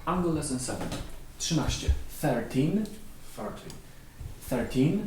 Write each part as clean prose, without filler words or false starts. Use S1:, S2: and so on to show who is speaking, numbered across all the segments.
S1: Angle lesson 7. 13. 13. 13.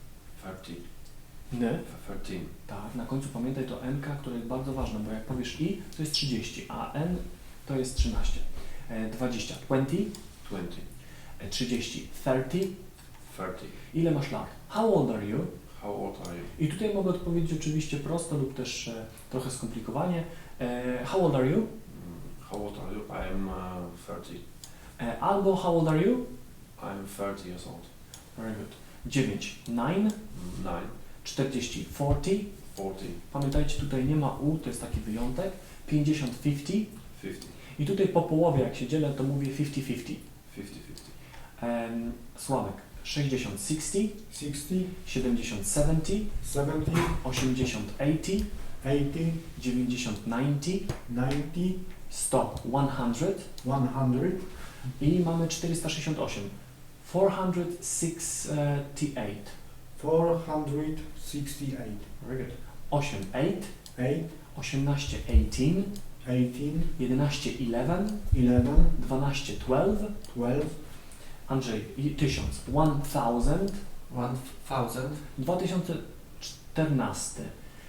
S1: N.
S2: 13.
S1: Tak, na końcu pamiętaj to NK, które jest bardzo ważne, bo jak powiesz I, to jest 30, a N to jest 13. 20. 20. 30. 30. Ile masz lat? How old are you?
S2: How old are you?
S1: I tutaj mogę odpowiedzieć oczywiście prosto lub też trochę skomplikowanie. How old are you?
S2: How old are you? I am 30.
S1: Albo how old are you?
S2: I am 30 years old.
S1: Very good. 9. 9.
S2: 9.
S1: 40. 40.
S2: 40.
S1: Pamiętajcie, tutaj nie ma U, to jest taki wyjątek. 50. 50.
S2: 50.
S1: I tutaj po połowie, jak się dzielę, to mówię 50-50.
S2: 50-50.
S1: Sławek. 60. 60.
S3: 60,
S1: 70. 70.
S3: 70,
S1: 80. 80.
S3: 80,
S1: 90. 90.
S3: 90,
S1: 100. 100.
S3: 100,
S1: I mamy 468. 468.
S3: 468,
S1: Very good. 8. 8.
S3: 8,
S1: 18. 18.
S3: 18,
S1: 11. 11.
S3: 11,
S1: 12. 12.
S3: 12,
S1: Andrzej. 1000. 1000.
S4: 1000.
S1: 2014.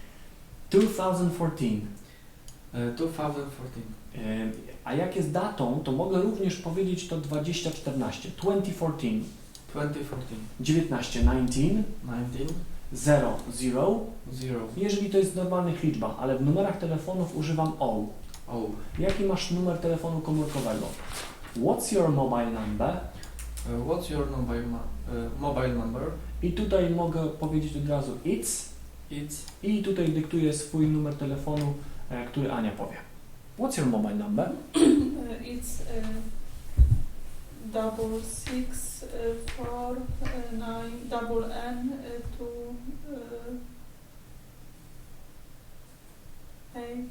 S1: 2014.
S4: 2014.
S1: A jak jest datą, to mogę również powiedzieć to 2014. 2014.
S4: 2014.
S1: 19. 19.
S4: 19.
S1: 0. 0.
S4: 0.
S1: Jeżeli to jest w normalnych liczbach, ale w numerach telefonów używam O.
S4: Oh.
S1: Jaki masz numer telefonu komórkowego? What's your mobile number?
S4: What's your mobile number?
S1: I tutaj mogę powiedzieć od razu it's. I tutaj dyktuję swój numer telefonu, który Ania powie. What's your mobile number?
S5: It's 664 9 2 8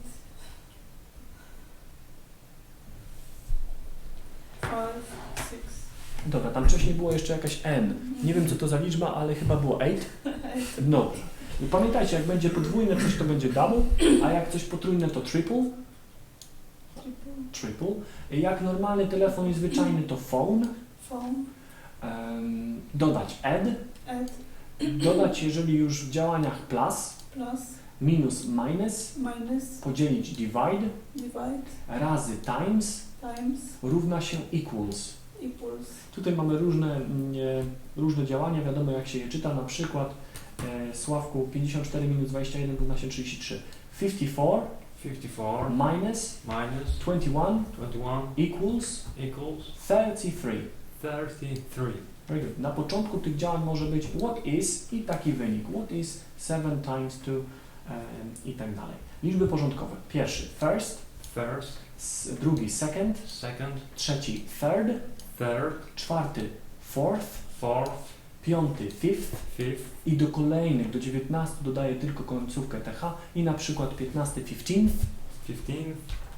S5: 5 6.
S1: Dobra, tam wcześniej było jeszcze jakaś N. Nie wiem co to za liczba, ale chyba było 8. No. I pamiętajcie, jak będzie podwójne coś, to będzie double, a jak coś potrójne, to triple. Triple. Jak normalny telefon i zwyczajny, to phone.
S5: Phone.
S1: Dodać add.
S5: Add.
S1: Dodać, jeżeli już w działaniach plus.
S5: Plus.
S1: Minus minus.
S5: Minus.
S1: Podzielić divide.
S5: Divide.
S1: Razy times.
S5: Times.
S1: Równa się equals.
S5: Equals.
S1: Tutaj mamy różne działania, wiadomo jak się je czyta, na przykład Sławku 54 minus 21 równa się 33. 54 minus 21 equals 33. Very good. Na początku tych działań może być what is i taki wynik. What is 7 times 2 i tak dalej. Liczby porządkowe. Pierwszy first, drugi second, trzeci third, czwarty fourth, piąty fifth i do kolejnych, do 19 dodaję tylko końcówkę th i na przykład 15 15th,